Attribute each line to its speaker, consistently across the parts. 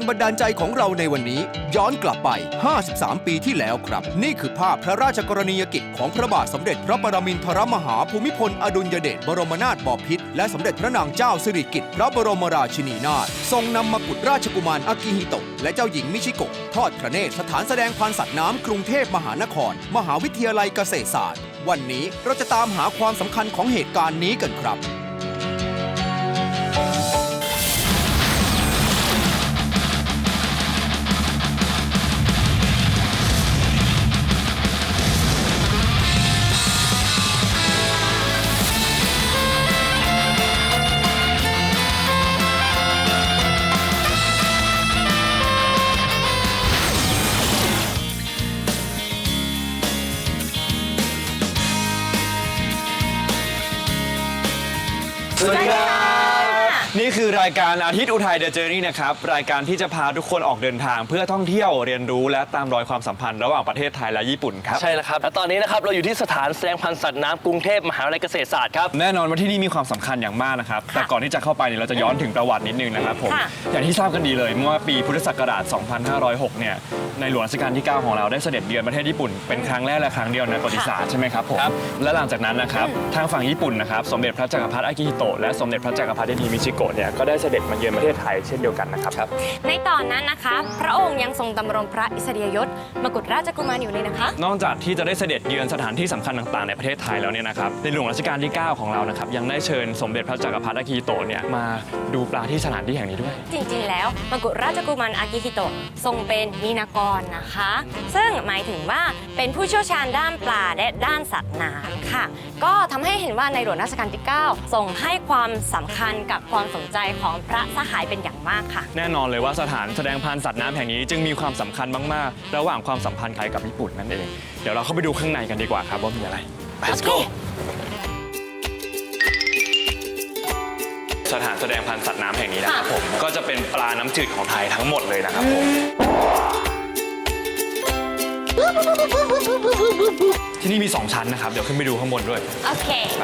Speaker 1: บันดาลใจของเราในวันนี้ย้อนกลับไป53ปีที่แล้วครับนี่คือภาพพระราชกรณียกิจของพระบาทสมเด็จพระปรมินทรมหาภูมิพลอดุลยเดชบรมนาถบพิตรและสมเด็จพระนางเจ้าสิริกิติ์พระบรมราชินีนาถทรงนำมกุฎราชกุมารอากิฮิโตะและเจ้าหญิงมิชิโกะทอดพระเนตรสถานแสดงพันธุ์สัตว์น้ำกรุงเทพมหานครมหาวิทยาลัยเกษตรศาสตร์วันนี้เราจะตามหาความสำคัญของเหตุการณ์นี้กันครับ
Speaker 2: สวัสดีครับนี่คือรายการอาทิตย์อุทัยเดอะเจอร์นี่นะครับรายการที่จะพาทุกคนออกเดินทางเพื่อท่องเที่ยวเรียนรู้และตามรอยความสัมพันธ์ระหว่างประเทศไทยและญี่ปุ่นครับ
Speaker 3: ใช่แล้วครับและตอนนี้นะครับเราอยู่ที่สถานแสดงพันธุ์สัตว์น้ำกรุงเทพมหาวิทยาลัยเกษตรศาสตร์ครับ
Speaker 2: แน่นอนว่าที่นี่มีความสำคัญอย่างมากนะครับแต่ก่อนที่จะเข้าไปเนี่ยเราจะย้อนถึงประวัตินิดนึงนะครับผมอย่างที่ทราบกันดีเลยเมื่อปีพุทธศักราช 2506 เนี่ยในหลวงรัชกาลที่ 9 ของเราได้เสด็จเยือนประเทศญี่ปุ่นเป็นครั้งแรกและครั้งเดียวในประวัติศาสตร์ใช่ไหมครับผมและหลังจากนั้นนะครับทางฝั่งญี่ปุ่นนะครับสมเด็จพระจักรพรรดิอากิฮิโตะและสมเด็จพระจักรพรรดิมิชิโกะเนี่ยก็ได้เสด็จมาเยือนประเทศไทยเช่นเดียวกันนะครับ
Speaker 4: ในตอนนั้นนะคะพระองค์ยังทรงดำรงพระอิสริยยศมกุฎราชกุมารอยู่เลยนะคะ
Speaker 2: นอกจากที่จะได้เสด็จเยือนสถานที่สำคัญต่างๆในประเทศไทยแล้วเนี่ยนะครับในหลวงรัชกาลที่ 9 ของเรานะครับยังได้เชิญสมเด็จพระจักรพรรดิอากิฮิโตะเนี่ยมาดูปลาที่สถานที่แห่งนี้ด้วย
Speaker 4: จริงๆแล้วมกุฎราชกุมารอากิฮิโตะทรงเป็นมีนากรนะคะซึ่งหมายถึงว่าเป็นผู้เชี่ยวชาญด้านปลาและด้านสัตว์น้ำค่ะก็ทำให้เห็นว่าในหลวงรัชกาลที่ 9 ทรงให้ความสำคัญกับความสนใจของพระสหายเป็นอย่างมากค่ะ
Speaker 2: แน่นอนเลยว่าสถานแสดงพันธุ์สัตว์น้ำแห่งนี้จึงมีความสำคัญมากๆระหว่างความสัมพันธ์ไทยกับญี่ปุ่นนั่นเองเดี๋ยวเราเข้าไปดูข้างในกันดีกว่าครับว่ามีอะไร Let's go สถานแสดงพันธุ์สัตว์น้ำแห่งนี้นะครับผมก็จะเป็นปลาน้ำจืดของไทยทั้งหมดเลยนะครับผมที่นี่มี2ชั้นนะครับเดี๋ยวขึ้นไปดูข้างบนด้วย
Speaker 4: โอเค
Speaker 2: ไป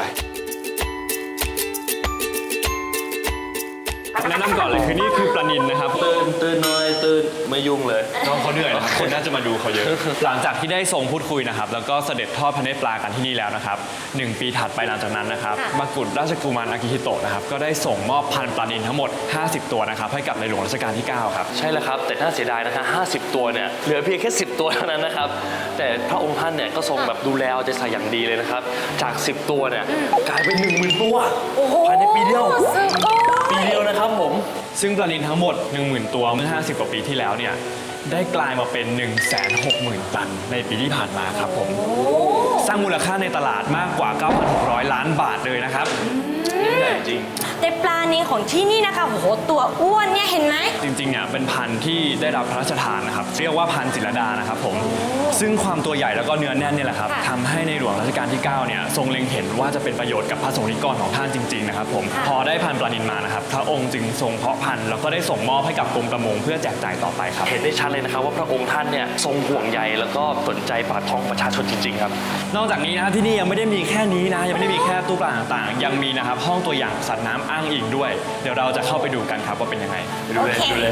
Speaker 2: แนะนำก่อนเลยคือนี่คือปลานิลนะครับ
Speaker 3: ตื่นหน่อยตื่นไม่ยุ่งเลย
Speaker 2: น้องเขาเหนื่อยนะครับคนน่าจะมาดูเขาเยอะหลังจากที่ได้ทรงพูดคุยนะครับแล้วก็เสด็จทอดพระเนตรปลากันที่นี่แล้วนะครับ1 ปีถัดไปหลังจากนั้นนะครับมกุฎราชกุมารอากิฮิโตะนะครับก็ได้ส่งมอบพันธุ์ปลานิลทั้งหมด50 ตัวนะครับให้กับในหลวงรัชกาลที่ 9 ครับ
Speaker 3: ใช่แล้วครับแต่น่าเสียดายนะคะ50 ตัวเนี่ยเหลือเพียงแค่10 ตัวเท่านั้นนะครับแต่พระองค์ท่านเนี่ยก็ทรงแบบดูแลเอาใจใส่อย่างดีเลยนะครับจาก10 ตัวเนี่ยกลายเป็น 10,000 ตัวภายในปีเดียวนะครับผม
Speaker 2: ซึ่งปลานิลทั้งหมด 10,000 ตัวเมื่อ50 กว่าปีที่แล้วเนี่ยได้กลายมาเป็น 160,000 ตันในปีที่ผ่านมาครับผมสร้างมูลค่าในตลาดมากกว่า 9,600 ล้านบาทเลยนะครับ
Speaker 3: ใหญ่จริง
Speaker 4: แต่ปลานิลของที่นี่นะคะโอ้โหตัวอ้วนเนี่ยเห็นไหม
Speaker 2: จริงๆเนี่ยเป็นพันธุ์ที่ได้รับพระราชทานนะครับเรียกว่าพันธุ์จิรดานะครับผมซึ่งความตัวใหญ่แล้วก็เนื้อแน่นเนี่ยแหละครับทำให้ในหลวงรัชกาลที่ 9 เนี่ยทรงเล็งเห็นว่าจะเป็นประโยชน์กับพระสงฆ์นิกรของท่านจริงๆนะครับผมพอได้พันธุ์ปลานิลมานะครับพระองค์จึงทรงเพาะพันธุ์แล้วก็ได้ส่งมอบให้กับกรมประมงเพื่อแจกจ่ายต่อไปครับ
Speaker 3: เห็นได้ชัดเลยนะครับว่าพระองค์ท่านเนี่ยทรงห่วงใยแล้วก็สนใจปากท้องประชาชนจริงๆครับ
Speaker 2: นอกจากนี้นะที่นี่ยังไม่ได้มีแค่นี้นะยังไม่ได้มีแค่ตู้ปลาต่างๆยังมีนะครับห้องตัวอย่างสัตว์น้ำอ้างอิงด้วยเดี๋ยวเราจะเข้าไปดูกันครับว่าเป็นยังไงไปดูเลย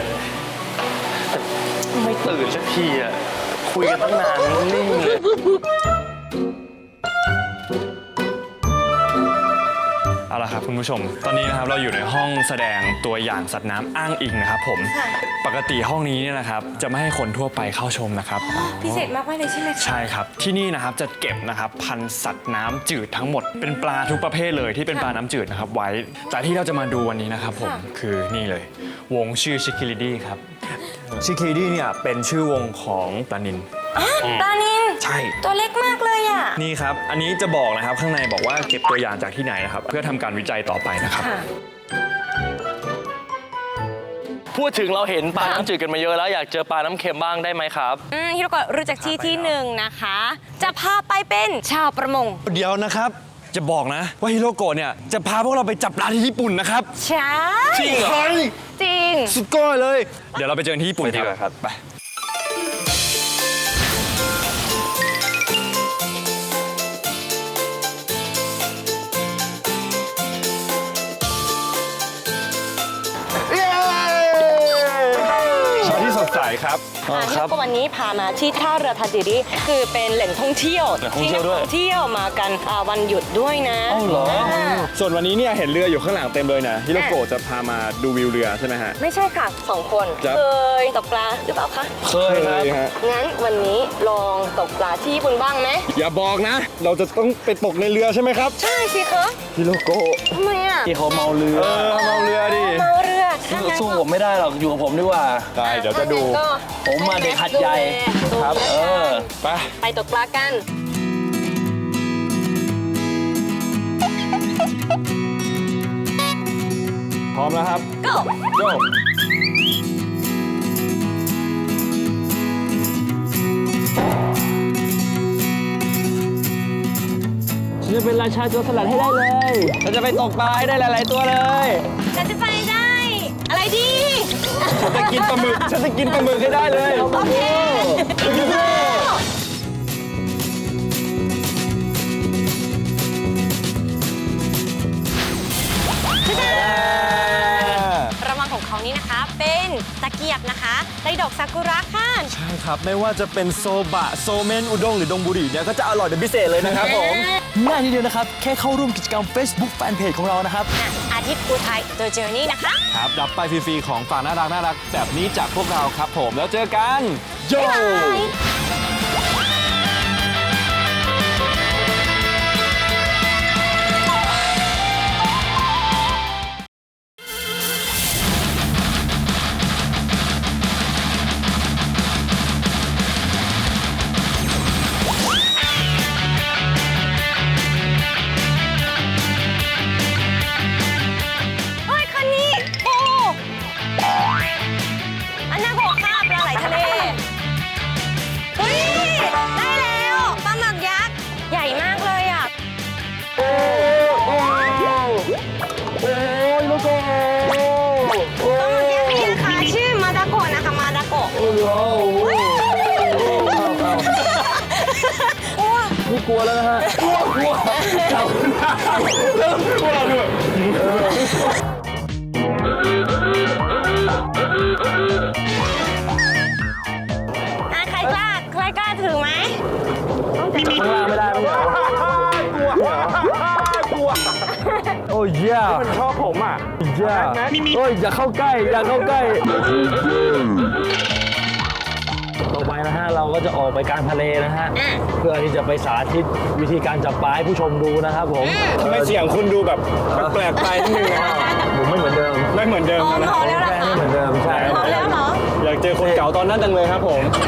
Speaker 3: ไม่ตื่นสักทีอ่ะคุยกันตั้งนานนิ่งเลย
Speaker 2: เอาล่ะครับคุณผู้ชมตอนนี้นะครับเราอยู่ในห้องแสดงตัวอย่างสัตว์น้ำอ้างอิงนะครับผมปกติห้องนี้เนี่ยนะครับจะไม่ให้คนทั่วไปเข้าชมนะครับ
Speaker 4: พิเศษมากเลยใช่ไหม
Speaker 2: ใช่ครับที่นี่นะครับจะเก็บนะครับพันธุ์สัตว์น้ำจืดทั้งหมดเป็นปลาทุกประเภทเลยที่เป็นปลาน้ำจืดนะครับไว้แต่ที่เราจะมาดูวันนี้นะครับผมคือนี่เลยวงชื่อชิคิริดี้ครับชิคิริดี้เนี่ยเป็นชื่อวงของปลานิล
Speaker 4: ปลานิล
Speaker 2: ใช่
Speaker 4: ตัวเล็กมากเลยอ่ะ
Speaker 2: นี่ครับอันนี้จะบอกนะครับข้างในบอกว่าเก็บตัวอย่างจากที่ไหนนะครับเพื่อทำการวิจัยต่อไปนะครับ
Speaker 3: พูดถึงเราเห็นปลาน้ำจืดกันมาเยอะแล้วอยากเจอปลาน้ำเค็มบ้างได้ไหมครับ
Speaker 4: ฮิโรโกะรู้จักที่หนึ่งนะคะจะพาไปเป็นชาวประมง
Speaker 2: เดี๋ยวนะครับจะบอกนะว่าฮิโรโกะเนี่ยจะพาพวกเราไปจับปลาที่ญี่ปุ่นนะครับ
Speaker 4: ใช่
Speaker 2: จริงเหรอ
Speaker 4: จริง
Speaker 2: สุดยอดเลยเดี๋ยวเราไปเจอที่ญี่ปุ่นดีกว่าครับไปครับ
Speaker 3: ครับ
Speaker 4: วันนี้พามาที่ท่าเรือทาจิริคือเป็นแหล่งท่องเที่ยว
Speaker 3: แหล่งท่องเที่ยวด้วย
Speaker 4: นักท่องเที่ยวมากันวันหยุดด้วยนะ
Speaker 3: อ้าวเหรอ
Speaker 2: ส่วนวันนี้เนี่ยเห็นเรืออยู่ข้างหลังเต็มเลยนะฮิโรโกะจะพามาดูวิวเรือใช่ไหมฮะ
Speaker 4: ไม่ใช่ค่ะ2 คน
Speaker 2: ครับ
Speaker 4: เคยตกปลาหรือเปล่าคะ
Speaker 3: เคยครับ
Speaker 2: ฮะ
Speaker 4: งั้นวันนี้ลองตกปลาที่ญี่ปุ่นบ้างไหม
Speaker 2: อย่าบอกนะ เราจะต้องไปตกในเรือใช่ไหมครับ
Speaker 4: ใช่สิคะ
Speaker 2: ฮิโรโกะ
Speaker 4: ทำไมอ่ะ
Speaker 3: ที่เขาเมาเรือ
Speaker 2: เมาเรือดิ
Speaker 4: เมาเรือถ้างั้น
Speaker 3: สู้ผมไม่ได้หรอกอยู่กับผมดีกว่า
Speaker 2: ได้เดี๋ยวจะดู
Speaker 4: ก็
Speaker 3: ผมมาเด็กหัดใหญ่
Speaker 2: ครับ ไป
Speaker 4: ไปตกปลากัน
Speaker 2: พร้อมแล้วครับ
Speaker 4: go
Speaker 2: โย
Speaker 3: ฉันจะเป็นราชาโจรสลัดให้ได้เลยฉันจะไปตกปลาให้ได้หลาย ๆ ตัวเลย
Speaker 4: ฉันจะไปได้ อะไรดี
Speaker 2: ฉันจะกินปลาหมึก ฉันจะกินปลาหมึกให้ได้เลย
Speaker 4: โอเค รางวัลของเขานี้นะคะเป็นตะเกียบนะคะในดอกซากุระค่ะ
Speaker 2: ใช่ครับ ไม่ว่าจะเป็นโซบะ โซเมน อุด้งหรือดงบุรีเนี่ยก็จะอร่อยเป็นพิเศษเลยนะครับผม
Speaker 3: ง่ายนิดเดียวนะครับ แค่เข้าร่วมกิจกรรม Facebook Fanpage ของเรานะครับ
Speaker 4: อาทิตย์ภูไทย The Journey นะคะ
Speaker 2: ครับ รับไปฟรีๆของฝากน่ารักแบบนี้จากพวกเราครับผม แล้วเจอกัน โย
Speaker 4: เฮ้ยคันนี้โอ้อันน่าโกะค่ะปลาไหลทะเล เฮ้ย ได้แล้วปลาหมึกยักษ์ ใหญ่มากเลยอ่ะ
Speaker 3: โอ้ยลูกโก
Speaker 4: ปลาหมึกยักษ์นี่นะคะชื่อมาดาโกะนะคะ มาดาโกะ
Speaker 3: โอ้โหไม่กลัวแล้วนะฮะ กลัว
Speaker 2: เริ่มกลัวด้วย
Speaker 4: ใครกล้าถือไหม
Speaker 3: ข้างล่างไม่ได้ไม่ได้
Speaker 2: กลัว
Speaker 3: โอ้ยเย่า
Speaker 2: มันชอบผมอ่ะ
Speaker 3: เย่าโอ้ยอย่าเข้าใกล้ อย่าเข้าใกล้ ต่อไปนะฮะ เราก็จะออกไปกลางทะเลนะฮะ เพื่อที่จะไปสาธิตวิธีการจับปลาให้ผู้ชมดูนะครับผม
Speaker 2: ทำไมเสียงคุณดูแบบแปลกๆไปนิดนึงนะครับ
Speaker 3: ผมไม่เหมือนเดิม
Speaker 2: ไม่เหมือนเดิม
Speaker 4: อ๋อ
Speaker 2: นะ
Speaker 4: พอแล้วเหรอ
Speaker 3: ไม่
Speaker 4: คะ
Speaker 3: เหมือนเดิม ใช่
Speaker 4: พอแล้วเหรอ
Speaker 2: อยากเจอคนเก่าตอนนั้นจังเลยครับผม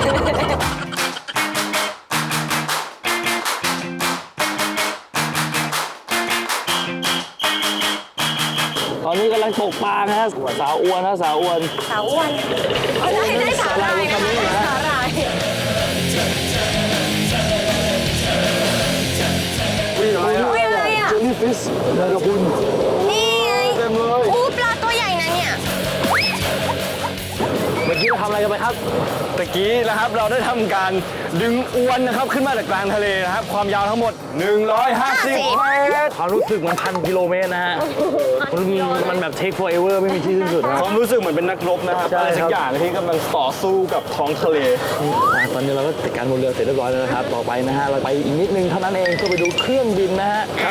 Speaker 3: ตอนนี้กำลังตกปลานะฮะสาวอ้วนนะสาวอ้วน
Speaker 4: สาวอ้วนเอาได้สาหร่ายนะคะได้สาหร่าย
Speaker 3: อุ้ยอะไร
Speaker 4: อุ้ยอะไรอ่ะ
Speaker 3: เจลลี่ฟิชนะครับคุณ
Speaker 4: นี่ไง
Speaker 3: เต็มเลย
Speaker 4: อู้ปลาตัวใหญ่นะเนี่ย
Speaker 3: เมื่อกี้เราทำอะไรกันไปครับ
Speaker 2: ตะกี้นะครับเราได้ทำการดึงอวนนะครับขึ้นมาจากกลางทะเลนะครับ ความยาวทั้งหมด 150 เมตร
Speaker 3: ความรู้สึกมัน1,000 กิโลเมตรนะฮะมันแบบ take forever ไม่มีที่สิ้นสุดนะ
Speaker 2: ความรู้สึกเหมือนเป็นนักรบนะครับ
Speaker 3: ใช่
Speaker 2: อะไรสั
Speaker 3: ครั
Speaker 2: ก
Speaker 3: บ
Speaker 2: อย่างที่กำลังต่อสู้กับท้องทะเล
Speaker 3: ตอนนี้เราก็จัดการบนเรือเสร็จเรียบร้อยแล้วนะครับ ต่อไปนะฮะ เราไปอีกนิดนึงเท่านั้นเองก็ไปดูเครื่องบินนะฮะ
Speaker 2: ครับ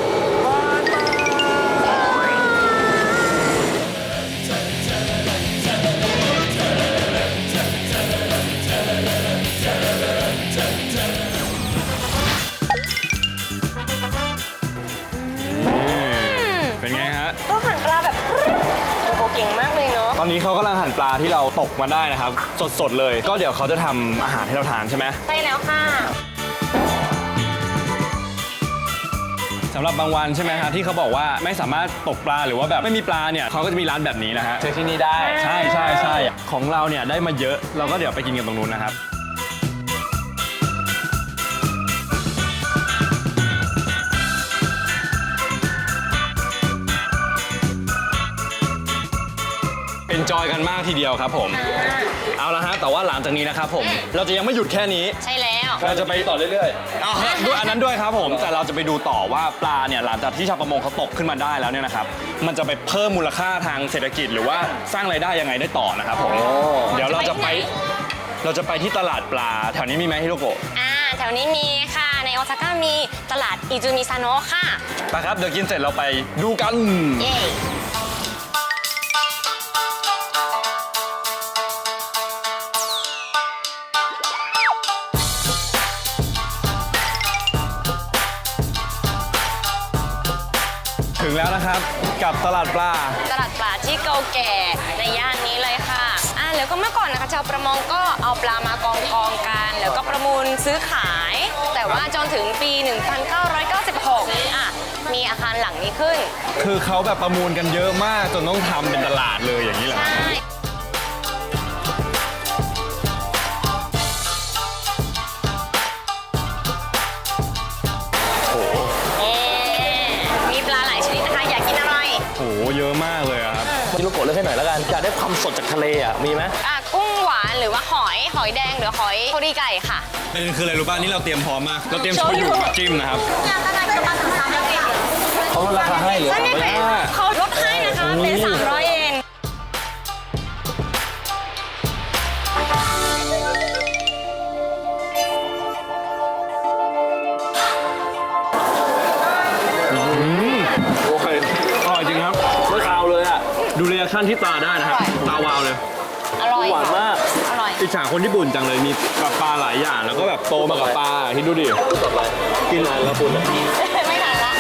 Speaker 2: เป็นไงฮะ
Speaker 4: ก็หั่นปลาแบบโอ้โหเก่งมากเลยเนาะ
Speaker 2: ตอนนี้เขากำลังหั่นปลาที่เราตกมาได้นะครับ สดๆเลย ก็เดี๋ยวเขาจะทำอาหารให้เราทานใช่ไหม
Speaker 4: ใช่แล้วค่ะ
Speaker 2: สำหรับบางวันใช่ไหมฮะที่เขาบอกว่าไม่สามารถตกปลาหรือว่าแบบไม่มีปลาเนี่ยเขาก็จะมีร้านแบบนี้นะฮะ
Speaker 3: เจอที่นี่ได้
Speaker 2: ใช่ใช่ใช่ของเราเนี่ยได้มาเยอะเราก็เดี๋ยวไปกินกันตรงนู้นนะครับ เป็นจอยกันมากทีเดียวครับผม เอาละฮะแต่ว่าหลังจากนี้นะครับผม เราจะยังไม่หยุดแค่นี้
Speaker 4: ใช่แล้ว
Speaker 2: เราจะไป
Speaker 3: ต่อเรื่อย
Speaker 2: ด้วยอันนั้นด้วยครับผมแต่เราจะไปดูต่อว่าปลาเนี่ยหลังจากที่ชาวประมงเขาตกขึ้นมาได้แล้วเนี่ยนะครับมันจะไปเพิ่มมูลค่าทางเศรษฐกิจหรือว่าสร้างรายได้ยังไงได้ต่อนะครับผมเดี๋ยวเราจะไปที่ตลาดปลาแถวนี้มีไหมฮิโรโกะ
Speaker 4: แถวนี้มีค่ะในโอซาก้ามีตลาดอิจูมิซาโนะค่ะ
Speaker 2: ไปครับเดี๋ยวกินเสร็จเราไปดูกัน
Speaker 4: เย้
Speaker 2: ถึงแล้วนะครับกับตลาดปลา
Speaker 4: ตลาดปลาที่เก่าแก่ในย่านนี้เลยค่ะแล้วก็เมื่อก่อนนะคะชาวประมงก็เอาปลามากองกัน แล้วก็ประมูลซื้อขาย แต่ว่าจนถึงปี 1996 มีอาคารหลังนี้ขึ้น
Speaker 2: คือเขาแบบประมูลกันเยอะมากจนต้องทำเป็นตลาดเลยอย่างนี้เหรอ
Speaker 4: ใช่ มีปลาหลายชนิดนะคะ อยากกินอะไร
Speaker 2: โอ้โหเยอะมากเลยอะครับ
Speaker 3: ๆฮิโรโกะเลือกให้หน่อยแล้วกันอยากได้ความสดจากทะเลอ่ะมีไหม
Speaker 4: กุ้งหวานหรือว่าหอยแดงหรือหอยโคริไก่ค่ะ
Speaker 2: ประเด็นคืออะไรรู้ป่ะนี่เราเตรียมพร้อมมากเราเตรียมโชยุมาจิ้มนะครับ
Speaker 3: เขาลดราคาให้เหรือ
Speaker 4: ไม่เป็นเขาลดให้นะคะ เป็น 300 เยน
Speaker 3: โอเค
Speaker 2: อร่อยจริงครับ
Speaker 3: ไม่คาวเลยอ่ะ
Speaker 2: ดูเรีแอคชั่นที่ตาได้นะครับ ตาวาวเลย
Speaker 4: อร่อย
Speaker 3: หวานมาก
Speaker 4: อร่อย
Speaker 2: อิจฉาคนญี่ปุ่นจังเลยมีแบบปลาหลายอย่างแล้วก็แบบโตมากับปลาคิดดูดิ
Speaker 3: ต่อไปกินนานแล้วคุณ
Speaker 4: ไม่ทันละ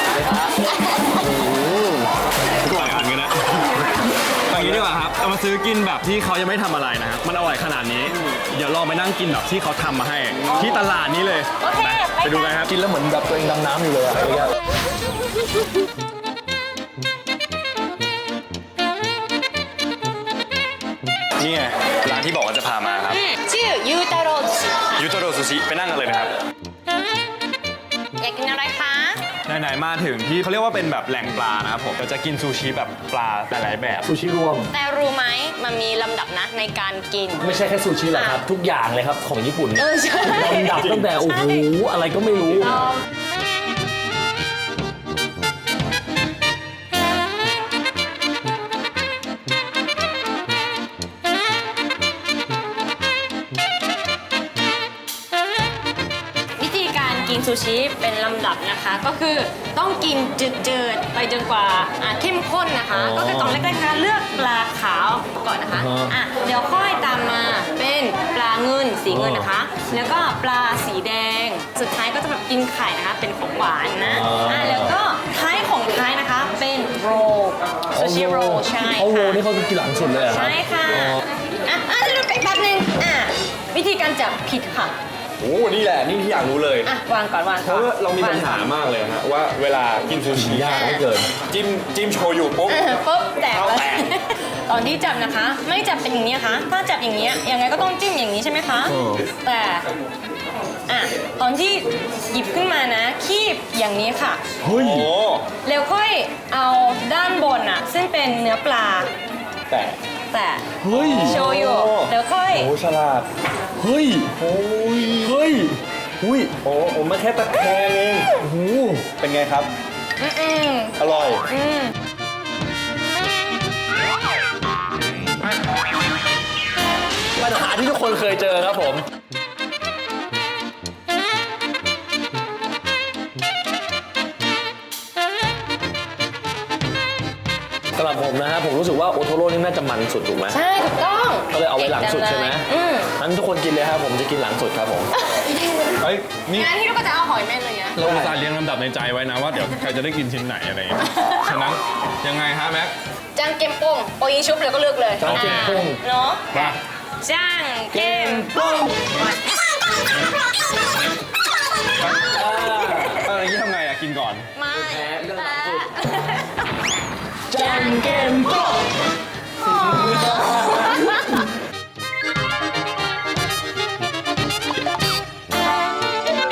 Speaker 2: ทุกหลายอันกันนะอย่างนี้ดีกว่าครับเอามาซื้อกินแบบที่เขายังไม่ทำอะไรนะครับมันอร่อยขนาดนี้เดี๋ยวลองไปนั่งกินแบบที่เขาทำมาให้ ที่ตลาดนี้เลย
Speaker 4: โอเค
Speaker 2: ไปดูกันครับ
Speaker 3: กินแล้วเหมือนแบบตัวเองดำน้ำอยู่เลยอ่ะ
Speaker 2: นี่ไงร้านที่บอกว่าจะพามาครับ
Speaker 4: ชื่อยูตาโรชิค่ะ
Speaker 2: ยูโตโรซูชิไปนั่งกันเลยนะครับ
Speaker 4: อยากกินอะไรคะ
Speaker 2: ไหนๆมาถึงที่เขาเรียกว่าเป็นแบบแหล่งปลานะครับผมเราจะกินซูชิแบบปลาหลายๆแบบ
Speaker 3: ซูชิรวม
Speaker 4: แต่รู้ไหมมันมีลำดับนะในการกิน
Speaker 3: ไม่ใช่แค่ซูชิหรอกครับ ทุกอย่างเลยครับของญี่ปุ่น
Speaker 4: ใช่
Speaker 3: ลำดับตั้งแต่โอ้โหอะไรก็ไม่รู้
Speaker 4: วิธีการกินซูชิเป็นลำดับนะคะ ก็คือต้องกินจืดๆไปจนกว่าเข้มข้นนะคะ ก็คือตอนแรกๆนะคะเลือกปลาขาวก่อนนะคะเดี๋ยวค่อยตามมาเป็นปลาเงินสีเงินนะคะ แล้วก็ปลาสีแดง สุดท้ายก็จะแบบกินไข่นะคะเป็นของหวานนะแล้วก็ท้ายของท้ายนะคะเป็นโรลซูชิโรลใช่
Speaker 3: เขาโร
Speaker 4: ค่ะ
Speaker 3: นี่เขาคือกินหลังสุดเลยเหรอครับ
Speaker 4: ใช่ค่ะจะดูไปแป๊บนึงวิธีการจับผิดค่ะ
Speaker 2: โอ้นี่แหละนี่ที่อยากรู้เลย
Speaker 4: วางก่อนวาง
Speaker 2: เพ
Speaker 4: ก่อน
Speaker 2: ราะว่าเรามีปัญหามากเลยฮะว่าเวลากินซูชิ
Speaker 3: ยากเหลือเกิน
Speaker 2: จิ้มโชยุปุ๊บ
Speaker 4: ปุ๊บแตก
Speaker 2: เอา
Speaker 4: แล้ว
Speaker 2: แตก
Speaker 4: ตอนที่จับนะคะ ไม่จับเป็นอย่างนี้นะคะ ถ้าจับอย่างนี้ยังไงก็ต้องจิ้มอย่างนี้ใช่ไหมคะ แต่ตอนที่หยิบขึ้นมานะคีบอย่างนี้ค่ะ
Speaker 2: เฮ้ย
Speaker 4: แล้วค่อยเอาด้านบนซึ่งเป็นเนื้อปลา
Speaker 3: แต่
Speaker 4: แต่
Speaker 2: เฮ้ย
Speaker 4: โชยุแล้วค่อย
Speaker 3: โอ้ฉลาด
Speaker 2: เฮ้ย
Speaker 3: โอ้ย
Speaker 2: เฮ้ย
Speaker 3: อุ้ยโอ้ผมมาแค่ตะแคงเองโอ้โหเป็นไงครับ
Speaker 4: อืม
Speaker 3: อร่อย
Speaker 4: อืม
Speaker 3: ปัญหาที่ทุกคนเคยเจอครับผม สำหรับผมนะฮะผมรู้สึกว่าโอโทโร่นี่น่าจะมันสุดถูกไหม
Speaker 4: ใช่ถูกต้อง
Speaker 3: ก็เลยเอาไว้หลังสุดใช่ไหม
Speaker 4: เก่งจังเลย
Speaker 3: งั้นทุกคนกินเลยครับผมจะกินหลังสุดครับผม
Speaker 2: เฮ้ยนี่
Speaker 4: งั้นที่เราก็จะเอาหอยแม่นเลยนะ
Speaker 2: เราอุตส่าห์เรียงลำดับในใจไว้นะว่าเดี๋ยวใครจะได้กินชิ้นไหนอะไรอย่างเงี้ยฉะนั้นยังไงฮะแม็ก
Speaker 4: จ้างเกมโป้งโปยิงชุบเลยก็เลือกเลย
Speaker 3: จ้างเกมโป้ง
Speaker 4: เนาะ
Speaker 2: มา
Speaker 4: จ้างเกมโป้ง
Speaker 2: อะไรที่ทำไงกินก่อน
Speaker 4: ไม่
Speaker 3: จังเกมโป้ง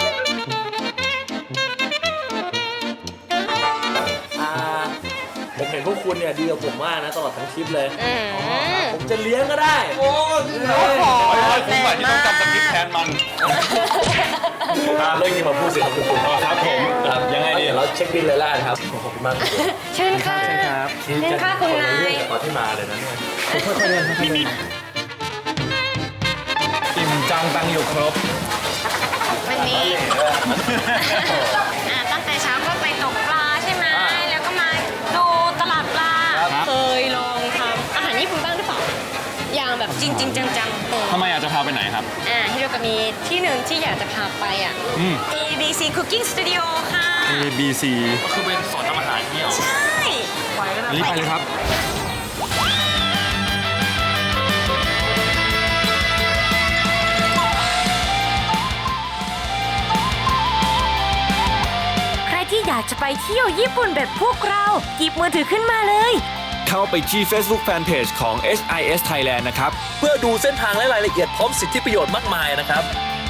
Speaker 3: โอเคห็นพวกคุณเนี่ยดีกับผมมากนะตลอดทั้งทริปเลย
Speaker 4: อืม
Speaker 3: ผมจะเลี้ยงก็ได้โอ้
Speaker 4: โอ้โห
Speaker 2: ผมหมายที่ต้องจำสคริปต์แทนมัน
Speaker 3: เรื่องนี้มาพูดสิครับคุณ
Speaker 2: ครับผมยังไงดี
Speaker 3: เดี๋ยวเราเช็คบินเลยล่ะครับขอบคุณมาก
Speaker 4: เชิญค่ะเชิญค่ะคุณนาย
Speaker 3: ตอนที่มาเลยนะเนี่ย
Speaker 2: มีอิ่มจังตังอยู่ครบ
Speaker 4: วันนี้ตั้งแต่เช้าก็ไปตกปลาใช่ไหมแล้วก็มาดูตลาดปลา เคยลองทำอาหารญี่ปุ่นบ้างหรือเปล่า อย่างแบบจริง ๆ จังๆ
Speaker 2: ทำไมอยากจะพาไปไหนครับ
Speaker 4: ฮิโรกามีที่หนึ่งที่อยากจะพาไปABC Cooking Studio ค่ะ
Speaker 2: ABC
Speaker 3: ก็คือเป็นสอนทำอาหารที่เหรอ
Speaker 4: ใช่
Speaker 2: รีบไปเลยครับ
Speaker 5: ใครที่อยากจะไปเที่ยวญี่ปุ่นแบบพวกเราหยิบมือถือขึ้นมาเลย
Speaker 6: เข้าไปที่ Facebook Fanpage ของ HIS Thailand นะครับ
Speaker 3: เพื่อดูเส้นทางและรายละเอียดพร้อมสิทธิประโยชน์มากมายนะครับ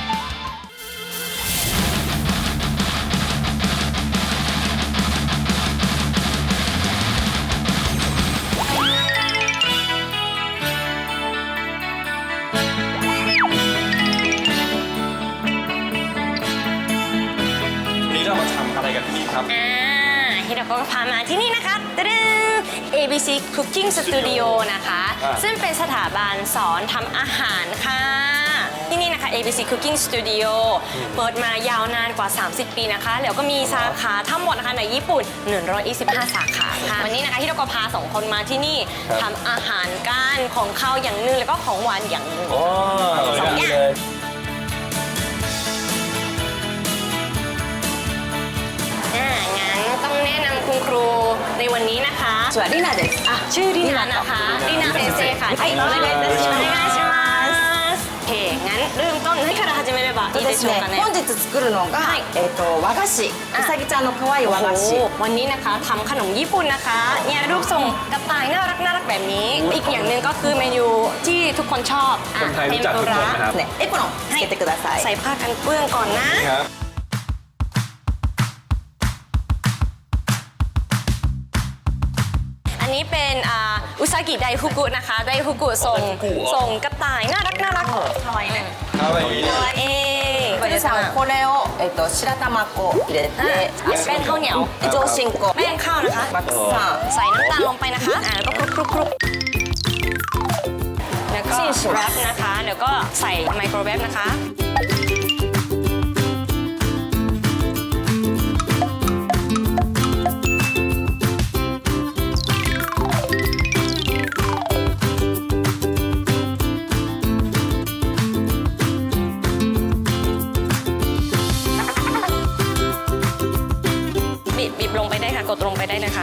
Speaker 2: นี่เรามาทำอะไรกันที่นี่ครับ
Speaker 4: ฮิโรโกะพามาที่นี่นะคะตรึง ABC Cooking Studio นะคะ ซึ่งเป็นสถาบันสอนทำอาหารค่ะ ที่นี่นะคะ ABC Cooking Studio เปิดมายาวนานกว่า 30 ปีนะคะ แล้วก็มีสาขาทั้งหมดนะคะในญี่ปุ่น 125 สาขาค่ะ วันนี้นะคะฮิโรโกะพา2 คนมาที่นี่ทำอาหารกันของข้าวอย่างหนึงแล้วก็ของหวานอย่างหนึง
Speaker 3: อ๋อ
Speaker 4: สองอย่าง
Speaker 3: เลย
Speaker 4: งั้นต้องแนะนำคุณครูในวันนี้นะคะสวัสดีนะเดสชื่อรินานะคะรินาเซนเซค่ะはいお願いいたしますお願いしますโอเคงั้นเริ่มต้น何から始めればいいでしょうかね
Speaker 7: 本日作るのが、和菓子うさぎちゃんの可愛い和菓子
Speaker 4: วันนี้นะคะทำขนมญี่ปุ่นนะคะเนี่ยรูปทรงกระต่ายน่ารักแบบนี้ อีกอย่างหนึ่งก็คือเมนูที่ทุกคนชอบ
Speaker 2: คนไทยรู้จักทุกคนนะครับ
Speaker 7: ねエプロンつけてください
Speaker 4: ใส่ผ้ากันเปื้อนก่อนนะ
Speaker 2: ครับ
Speaker 4: อันนี้เป็นอุซากิไดฟุกุนะคะไดฟุกุทรงกระต่ายน่ารักทำไมเนี่ย
Speaker 2: ครับอย่างนี้
Speaker 4: ตัวเอง
Speaker 7: ふるさんこれを、白玉粉入れて
Speaker 4: แป้งข้าวเหนียว
Speaker 7: 上新粉
Speaker 4: แป้งข้าวนะคะ
Speaker 7: マックスさん
Speaker 4: ใส่น้ำตาลลงไปนะคะแล้วก็คลุกแล้วก็แรปนะคะแล้วก็ใส่ไมโครเวฟนะคะบีบลงไปได้ค่ะกดลงไปได้เลยค่ะ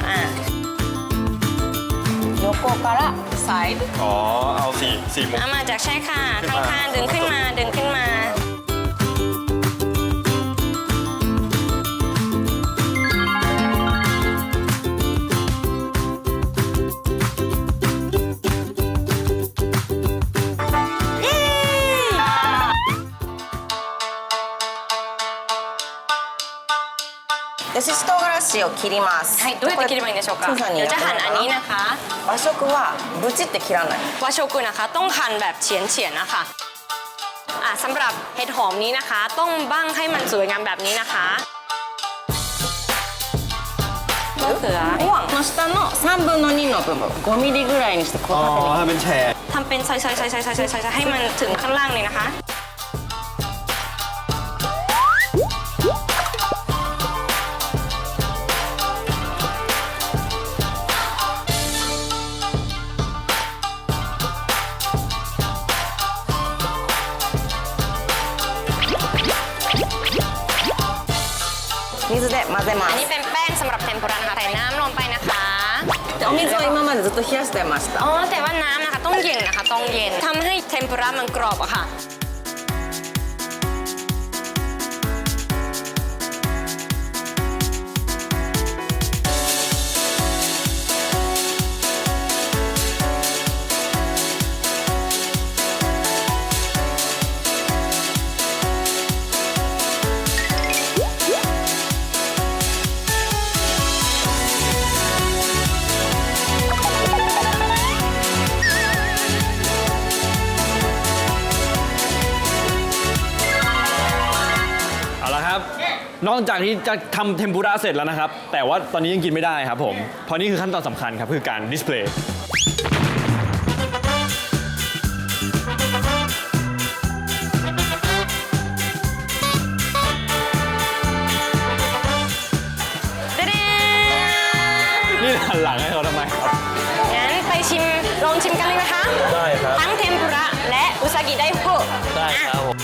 Speaker 7: 横からサイド
Speaker 2: อ๋อ เอาสี่มุม
Speaker 4: เอามาจากใช่ค่ะข้างๆดึงขึ้นมา
Speaker 7: でしし唐辛子を切ります
Speaker 4: はい、どうやって切ればいいんでしょうか。
Speaker 7: プーさんに
Speaker 4: เดี๋ยว
Speaker 7: やって
Speaker 4: จะหั่น
Speaker 7: もら
Speaker 4: อั
Speaker 7: อน う
Speaker 4: นี้นะคะ
Speaker 7: 和食はブチって切らない
Speaker 4: วาโชกุนะคะต้องหั่นแบบเฉียนๆนะคะสำหรับเห็ดหอมนี้นะคะ ต้องบั้งให้มันสวยงามแบบนี้นะคะมะเขือม่วง
Speaker 7: この下の3分の2の部分5ミリぐらいにしてこう
Speaker 2: อ๋อ
Speaker 7: 縦に
Speaker 2: ให้เป็นแฉก
Speaker 4: ทำเป็นซอยๆๆๆๆๆให้มันถึงข้างล่างเลยนะคะ
Speaker 7: 水で混ぜま
Speaker 4: อัน
Speaker 7: す
Speaker 4: นี้เป็นแป้งสำหรับเทมปุระนะคะใส่น้ำลงไปนะคะ
Speaker 7: でお水を今までずっと冷やしてました
Speaker 4: อ๋อแต่ว่าน้ำนะคะต้องเย็นนะคะต้องเย็นทำให้เทมปุระมันกรอบอะค่ะ
Speaker 2: นอกจากที่จะทำเทมปุระเสร็จแล้วนะครับ แต่ว่าตอนนี้ยังกินไม่ได้ครับผม เพราะนี่คือขั้นตอนสำคัญครับคือการดิสเพลย์ นี่หันหลังให้เขาทำไมครับ
Speaker 4: งั้นไปลองชิมกันเลยไหมคะ
Speaker 3: ได้ครับ
Speaker 4: ทั้งเทมปุระและอุซากิไดโฮะ
Speaker 3: ได้ครับผม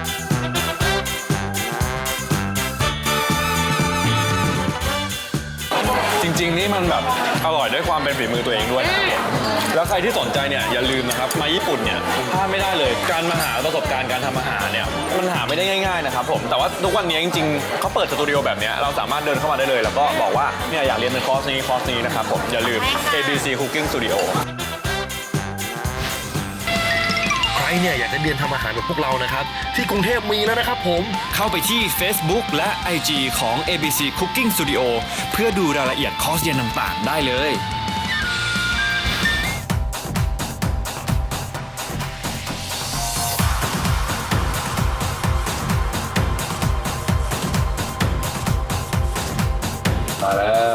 Speaker 2: จริงๆนี่มันแบบอร่อยด้วยความเป็นฝีมือตัวเองด้วยนะครับแล้วใครที่สนใจเนี่ยอย่าลืมนะครับมาญี่ปุ่นเนี่ยพลาดไม่ได้เลยการมาหาประสบการณ์การทำอาหารเนี่ยมันหาไม่ได้ง่ายๆนะครับผมแต่ว่าทุกวันนี้จริงๆเขาเปิดสตูดิโอแบบเนี้ยเราสามารถเดินเข้ามาได้เลยแล้วก็บอกว่าเนี่ยอยากเรียนเป็นคอร์สนี้นะครับผมอย่าลืม ABC Cooking Studio
Speaker 8: ใครเนี่ยอยากจะเรียนทำอาหารแบบพวกเรานะครับที่กรุงเทพมีแล้วนะครับผม
Speaker 6: เข้าไปที่ Facebook และ IG ของ ABC Cooking Studio เพื่อดูรายละเอียดคอร์สเรียนต่างๆ ได้เลย
Speaker 2: มาแล้ว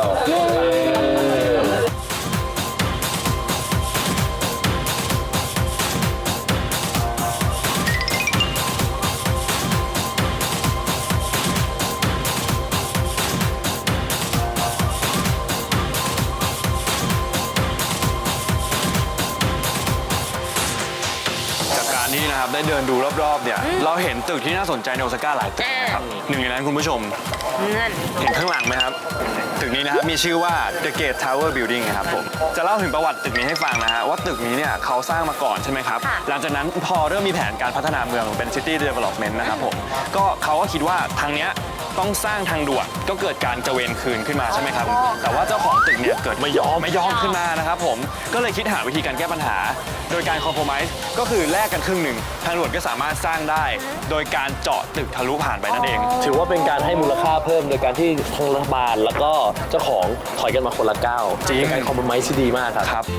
Speaker 2: จากการที่นะครับได้เดินดูรอบๆเนี่ยเราเห็นตึกที่น่าสนใจในโอซาก้าหลายตึกนะครับหนึ่งในนั้นคุณผู้ชม
Speaker 4: นั่น
Speaker 2: เห็นข้างหลังไหมครับ ตึกนี้นะครับมีชื่อว่า The Gate Tower Building นะครับผมจะเล่าถึงประวัติตึกนี้ให้ฟังนะฮะว่าตึกนี้เนี่ยเขาสร้างมาก่อนใช่ไหมครับ หลังจากนั้นพอเริ่มมีแผนการพัฒนาเมืองเป็น City Development นะครับผมก็เขาก็คิดว่าทางเนี้ยต้องสร้างทางด่วนก็เกิดการกระเวนคืนขึ้นมาใช่ไหมครับแต่ว่าเจ้าของตึกเนี่ยเกิดไม่ยอมขึ้นมานะครับผมก็เลยคิดหาวิธีการแก้ปัญหา โดยการคอมโพรไมซ์ก็คือแลกกันครึ่งหนึ่งทางด่วนก็สามารถสร้างได้ โดยการเจาะตึกทะลุผ่านไปนั่นเอง
Speaker 3: ถือว่าเป็นการให้มูลค่าเพิ่มโดยการที่ทางรัฐบาลแล้วก็เจ้าของถอยกันมาคนละก้าว
Speaker 2: จริง
Speaker 3: เป็นการคอมโพรไมซ์ที่ดีมากครับ
Speaker 2: ครับ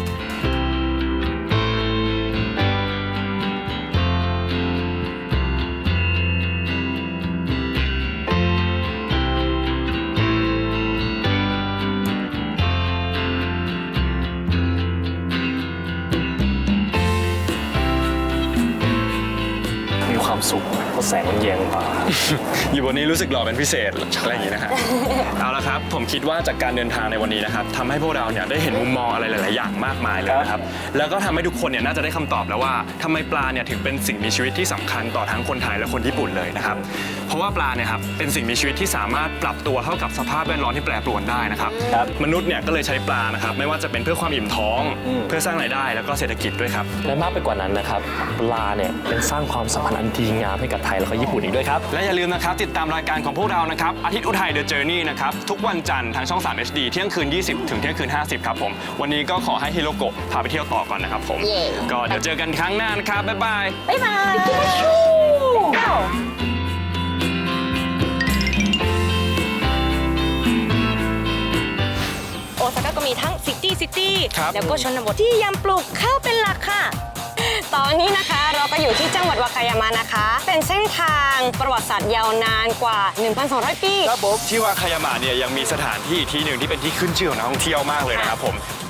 Speaker 3: มีความสุขเพราะแสงมันแยงตา
Speaker 2: อยู่บนนี้รู้สึกหล่อเป็นพิเศษอะไรอย่างนี้นะฮะ เอาละครับผมคิดว่าจากการเดินทางในวันนี้นะครับทำให้พวกเราเนี่ยได้เห็นมุมมองอะไรหลาย ๆ อย่างมากมายเลยนะครับแล้วก็ทำให้ทุกคนเนี่ยน่าจะได้คำตอบแล้วว่าทำไมปลาเนี่ยถึงเป็นสิ่งมีชีวิตที่สำคัญต่อทั้งคนไทยและคนญี่ปุ่นเลยนะครับเพราะว่าปลาเนี่ยครับเป็นสิ่งมีชีวิตที่สามารถปรับตัวเข้ากับสภาพแวดล้อมที่แปรปรวนได้นะครับมนุษย์เนี่ยก็เลยใช้ปลานะครับไม่ว่าจะเป็นเพื่อความอิ่มท้องเพื่อสร้างรายได้แล้วก็เศรษฐกิจด้วยครับ
Speaker 3: และมากไปกว่านั้นนะครับปลาเนี่ยเป็นสร้างความสัมพันธ์อันดีงามให้กับไทยแล้วก็ญี่ปุ่นอีกด้วยครับ
Speaker 2: และอย่าลืมนะครับติดตามรายการของพวกเรานะครับอาทิตย์อุทัย The Journey นะครับทุกวันจันทร์ทางช่อง 3 HD เที่ยงคืน 20 ถึงเที่ยงคืน 50 ครับผมวันนี้ก็ขอให้ฮิโรโกะพาไปเที่ยวต่อก่อนนะครับผมก็เดี๋ยวเจอกันครั้งหน้านะครับบ๊ายบาย
Speaker 4: บ๊ายบายโอซาก้าก็มีทั้งซิตี้
Speaker 2: ครับ
Speaker 4: แล้วก็ชนบทที่ยังปลูกข้าวเป็นหลักค่ะ ตอนนี้นะคะเราก็อยู่ที่จังหวัดวาคายามะนะคะ เป็นเส้นทางประวัติศาสตร์ยาวนานกว่า 1,200 ปี
Speaker 2: ครับผมที่วาคายามะเนี่ยยังมีสถานที่ที่หนึ่งที่เป็นที่ขึ้นชื่อของนักท่องเที่ยวมากเลยนะครับผม